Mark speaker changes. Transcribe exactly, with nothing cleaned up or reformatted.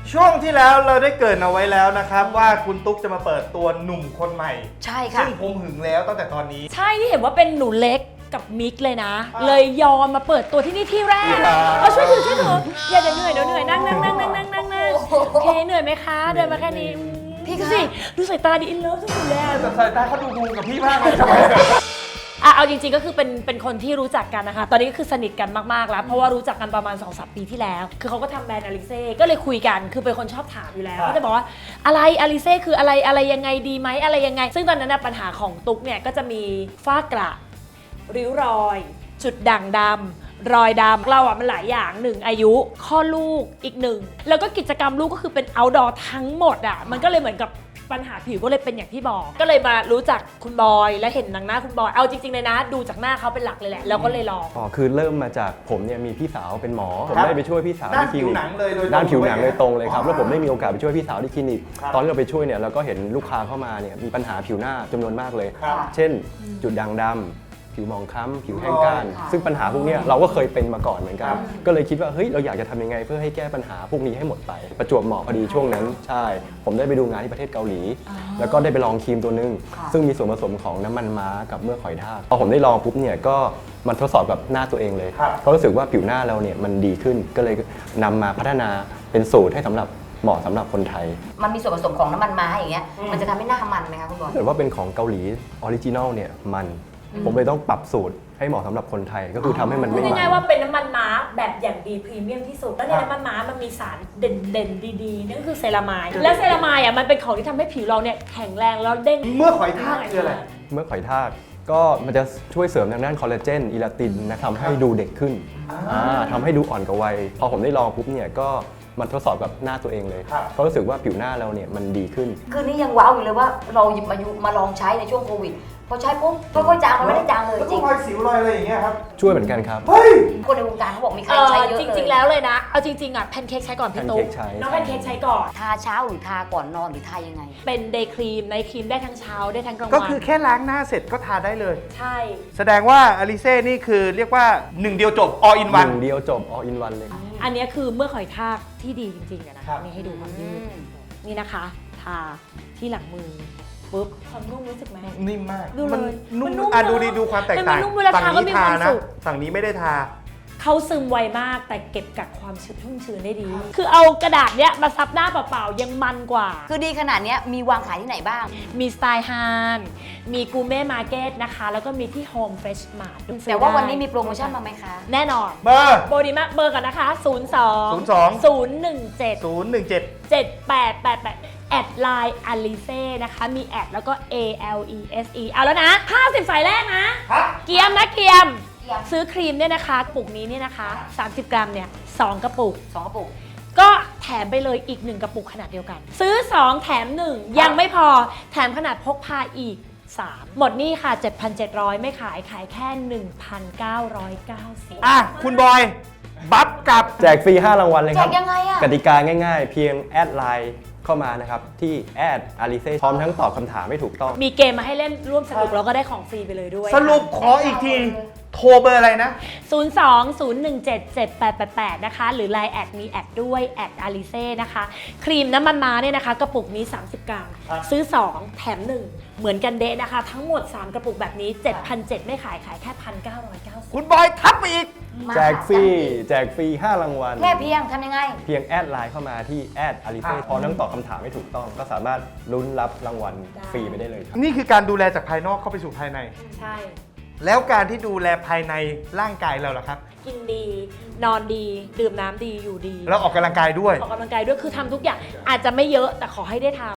Speaker 1: ช่วงที่แล้วเราได้เกริ่นเอาไว้แล้วนะครับว่าคุณตุ๊กจะมาเปิดตัวหนุ่มคนใหม่
Speaker 2: ใช่ค่ะ
Speaker 1: ซึ่งผมหึงแล้วตั้งแต่ตอนนี้
Speaker 3: ใช่ที่เห็นว่าเป็นหนูเล็กกับมิกเลยนะ
Speaker 1: อ่า
Speaker 3: เลยยอมมาเปิดตัวที่นี่ที่แรก
Speaker 1: อ่า
Speaker 3: เอาช่วยถือช่วยถืออย่าเดี๋ยวเหนื่อยเดี๋ยวเหนื่อยนั่งนั่งนั่งนั่งนั่งนั่งนั่งโอเคเหนื่อยไหมคะเดินมาแค่นี้พี่ดูสิดูสายตาดิอินเลิฟสุดๆแล้ว
Speaker 1: แต่สายตาเขาดูดูกับพี่มากเลยทำไม
Speaker 3: อ่ะเอาจริงๆก็คือเป็นเป็นคนที่รู้จักกันนะคะตอนนี้ก็คือสนิทกันมากๆแล้วเพราะว่ารู้จักกันประมาณ สองสาม ปีที่แล้วคือเขาก็ทำแบรนด์อลิเซ่ก็เลยคุยกันคือเป็นคนชอบถามอยู่แล้ว
Speaker 1: ครับ
Speaker 3: ก็จะบอกว่าอะไรอลิเซ่คืออะไรอะไรยังไงดีไหมอะไรยังไง ซึ่งตอนนั้นนะปัญหาของตุ๊กเนี่ยก็จะมีฝ้ากระริ้วรอย จุดด่างดำรอยดำเราอ่ะมันหลายอย่างหนึ่งอายุข้อลูกอีกหนึ่งแล้วก็กิจกรรมลูกก็คือเป็น outdoor ทั้งหมดอ่ะมันก็เลยเหมือนกับปัญหาผิวก็เลยเป็นอย่างที่บอก ก็เลยมารู้จักคุณบอยและเห็นหนังหน้าคุณบอยเอาจริงๆเลยนะดูจากหน้าเขาเป็นหลักเลยแหละแล้วก็เลยลอง
Speaker 4: อ๋อคือเริ่มมาจากผมเนี่ยมีพี่สาวเป็นหมอผม
Speaker 1: ครับ
Speaker 4: ได้ไปช่วยพี่สาว
Speaker 1: ด้าน
Speaker 4: ที่คลิ
Speaker 1: ผิว
Speaker 4: นิก
Speaker 1: หนังเลยโดยตรง
Speaker 4: ด้านผิวหนังเลยตรงเลยครับ
Speaker 1: อ๋อ
Speaker 4: แล้วผมได้มีโอกาสไปช่วยพี่สาวที่คลินิก
Speaker 1: ครับ
Speaker 4: ตอนที่เราไปช่วยเนี่ยเราก็เห็นลูกค้าเข้ามาเนี่ยมีปัญหาผิวหน้าจำนวนมากเลย
Speaker 1: ครับ
Speaker 4: เช่น จุดด่างดำผิวหมองคล้ำผิวแห้งก้าน
Speaker 2: ค่ะ
Speaker 4: ซึ่งปัญหาพวกเนี้ยเราก็เคยเป็นมาก่อนเหมือนกั
Speaker 1: ครั
Speaker 4: น
Speaker 1: บ
Speaker 4: ก็เลยคิดว่าเฮ้ยเราอยากจะทำยังไงเพื่อให้แก้ปัญหาพวกนี้ให้หมดไป ประจวบเหมาะพอดีช่วงนั้นใช่ ผมได้ไปดูงานที่ประเทศเกาหลี แล้วก็ได้ไปลองครีมตัวนึง
Speaker 2: ค่ะ
Speaker 4: ซึ่งมีส่วนผสมของน้ำมันม้ากับเมือกหอยทากพอผมได้ลองปุ๊บเนี่ยก็มันทดสอบกับหน้าตัวเองเลย
Speaker 1: ครับ
Speaker 4: เพราะรู้สึกว่าผิวหน้าเราเนี่ยมันดีขึ้นก็เลยนำมาพัฒนาเป็นสูตรให้สำหรับเหมาะสำหรับคนไทย
Speaker 2: มันมีส่วนผสมของน้ำมันม้าอย่างเงี้ยมันจะทำให้หน้ามันไหมคะคุณบอล
Speaker 4: ถ้าเกิดว่าเป็นของเกาหลีออริจินอลเนี่ยมัน ผมเลยต้องปรับสูตรให้เหมาะสำหรับคนไทย ก็คือทำให้มัน
Speaker 3: พูด
Speaker 4: ไม่มัน
Speaker 3: ง่ายๆว่าเป็นน้ำมันม้าแบบอย่างดีพรีเมียมที่สุดแล้วในน้ำมันม้ามันมีสารเด่นๆดีๆนั่นคือเซรามายด์และเซรามายด์อ่ะมันเป็นของที่ทำให้ผิวเราเนี่ยแข็งแรงแล้วเด้ง
Speaker 1: เมื่อหอยทากคืออะไร
Speaker 4: เมื่อหอยทากก็มันจะช่วยเสริมทางด้านคอลลาเจนอิลาตินนะทำให้ดูเด็กขึ้นอ่าทำให้ดูอ่อนกว่าวัยพอผมได้ลองปุ๊บเนี่ยก็มันทดสอบกับหน้าตัวเองเลย
Speaker 1: ครับ
Speaker 4: เพราะรู้สึกว่าผิวหน้าเราเนี่ยมันดีขึ้น
Speaker 2: คือนี่ยังว้าวอยู่เลยว่าเราหยิบมายุมาลองใช้ในช่วงโควิดพอใช้ปุ๊บค่อยๆจางมันไม่ได้จางเลย
Speaker 1: แล้ว
Speaker 2: จ
Speaker 1: ก็
Speaker 2: ริง
Speaker 1: รอยสิวรอยอะไรอย่างเงี้ยครับ
Speaker 4: ช่วยเหมือนกันครับ
Speaker 1: เฮ้ย
Speaker 2: คนในวงการเขาบอกมีใคร
Speaker 3: เออ
Speaker 2: ใช้เยอะ
Speaker 3: จ
Speaker 2: เลย
Speaker 3: ริงๆแล้วเลยนะ เอาจริงๆอ่ะแพนเค้กใช้ก่อนพี่ตุ๊ก
Speaker 4: แพนเค้กใช้
Speaker 3: น้องแพนเค้กใช้ก่อน
Speaker 2: ทาเช้าหรือทาก่อนนอนหรือทายังไง
Speaker 3: เป็นเดย์ครีมในครีมได้ทั้งเช้าได้ทั้งกลาง
Speaker 1: ก็
Speaker 3: วัน
Speaker 1: คือแค่ล้างหน้าเสร็จก็ทาได้เลย
Speaker 3: ใช่
Speaker 1: แสดงว่าอลิเซ่นี่คือเรียกว่าหนึ่งเดียวจบ all in
Speaker 4: ห
Speaker 1: one
Speaker 4: นึ่งเดียวจบ all in one เลย
Speaker 3: อันเนี้ยคือเมื่อหอยทากที่ดีจริงๆอะนะ
Speaker 1: ครั
Speaker 3: คะ
Speaker 1: บ
Speaker 3: นี่ให้ดูความยืด
Speaker 2: อืม
Speaker 3: นี่นะคะ ทาที่หลังมือปุ๊บความนุ่มรู้สึกไหม
Speaker 1: นิ่มมาก
Speaker 3: ดูเลย
Speaker 1: นุ่
Speaker 3: มัน
Speaker 1: ม
Speaker 3: นุ่ม
Speaker 1: อ่ะ
Speaker 3: เนอะ
Speaker 1: ดูดีดูความแตกต่าง
Speaker 3: มันนุ่มเวลา
Speaker 1: ฝั่ง
Speaker 3: ทาก็
Speaker 1: นี้
Speaker 3: มี
Speaker 1: ทา
Speaker 3: ความ
Speaker 1: นะ
Speaker 3: สุข
Speaker 1: ฝั่งนี้ไม่ได้ทา
Speaker 3: เขาซึมไวมากแต่เก็บกักความชุ่มชื้นได้ดี คือเอากระดาษเนี้ยมาซับหน้าเปล่าๆยังมันกว่า
Speaker 2: คือดีขนาดเนี้ยมีวางขายที่ไหนบ้าง
Speaker 3: มีสไตล์ฮานมีกูเม่มาร์เก็ตนะคะ แล้วก็มีที่โฮมเฟรชมาร์ท
Speaker 2: แต่ว่าวันนี้มีโปรโมชั่นมาไหมคะ
Speaker 3: แน่นอน
Speaker 1: เบอร์
Speaker 3: โบดีมากเบอร์กันนะคะ ศูนย์ สอง
Speaker 1: ศูนย์สอง
Speaker 3: ศูนย์ หนึ่ง เจ็ด
Speaker 1: ศูนย์หนึ่งเจ็ด
Speaker 3: เจ็ด แปด แปด แปด แอดไลน์อลิเซ่นะคะ มีแอดแล้วก็ A L E S E เอาแล้วนะห้าสิบสายแรกนะ
Speaker 1: ครับ
Speaker 3: เกียมนะเกียม
Speaker 2: เกียม
Speaker 3: ซื้อครีมเนี่ยนะคะกระปุกนี้เนี่ยนะคะ สามสิบ กรัมเนี่ยสองกระปุก
Speaker 2: สองกระปุก
Speaker 3: ก็แถมไปเลยอีกหนึ่งกระปุกขนาดเดียวกัน ซื้อ สอง แถม หนึ่ง ยังไม่พอแถมขนาดพกพาอีก สาม หมดนี่ค่ะ เจ็ดพันเจ็ดร้อย ไม่ขายขายแค่ หนึ่งพันเก้าร้อยเก้าสิบ
Speaker 1: อ่ะ คุณบอย บัฟกับ
Speaker 4: แจกฟรีห้ารางวัลเลยครับ
Speaker 2: แจกยังไงอะ
Speaker 4: กติกาง่ายๆ เพียงแอดไลน์เข้ามานะครับที่แอดอาริเซ่พร้อมทั้งตอบคำถามไม่ถูกต้อง
Speaker 3: มีเกมมาให้เล่นร่วมสนุกแล้วก็ได้ของฟรีไปเลยด้วย
Speaker 1: สรุปขออีกที โทรเบอร์อะไรนะ
Speaker 3: ศูนย์ สอง ศูนย์ หนึ่ง เจ็ด เจ็ด แปด แปด แปด นะคะ หรือ ไลน์ แอดมีแอดด้วยแอดอาริเซ่นะคะ ครีมน้ำมันม้าเนี่ยนะคะ กระปุกนี้ สามสิบ กรัม
Speaker 1: ครับ
Speaker 3: ซื้อ สอง แถม หนึ่ง เหมือนกันเดะนะคะ ทั้งหมด สาม กระปุกแบบนี้ เจ็ดพันเจ็ดร้อย ไม่ขายขายแค่ หนึ่งพันเก้าร้อยเก้าสิบ
Speaker 1: คุณบอยทับไปอีก
Speaker 2: มา
Speaker 4: แจกฟรีแจกฟรีห้ารางวัล
Speaker 2: แค่เพียงทำยังไง
Speaker 4: เพียงแอดไลน์เข้ามาที่แอดอาริเซ่
Speaker 1: ครับ
Speaker 4: พร้อมทั้งตอบคำถามไม่ถูกต้อง ก็สามารถลุ้นรับรางวัลฟรีไปได้เลยครับ
Speaker 1: นี่คือการดูแลจากภายนอกเข้าไปสู่ภายใน
Speaker 3: ใช่
Speaker 1: แล้วการที่ดูแลภายในร่างกายเราล่ะครับ
Speaker 3: กินดี นอนดี ดื่มน้ำดี อยู่ดี
Speaker 1: แล้วออกกำลังกายด้วย
Speaker 3: ออกกำลังกายด้วย คือทำทุกอย่าง อาจจะไม่เยอะ แต่ขอให้ได้ท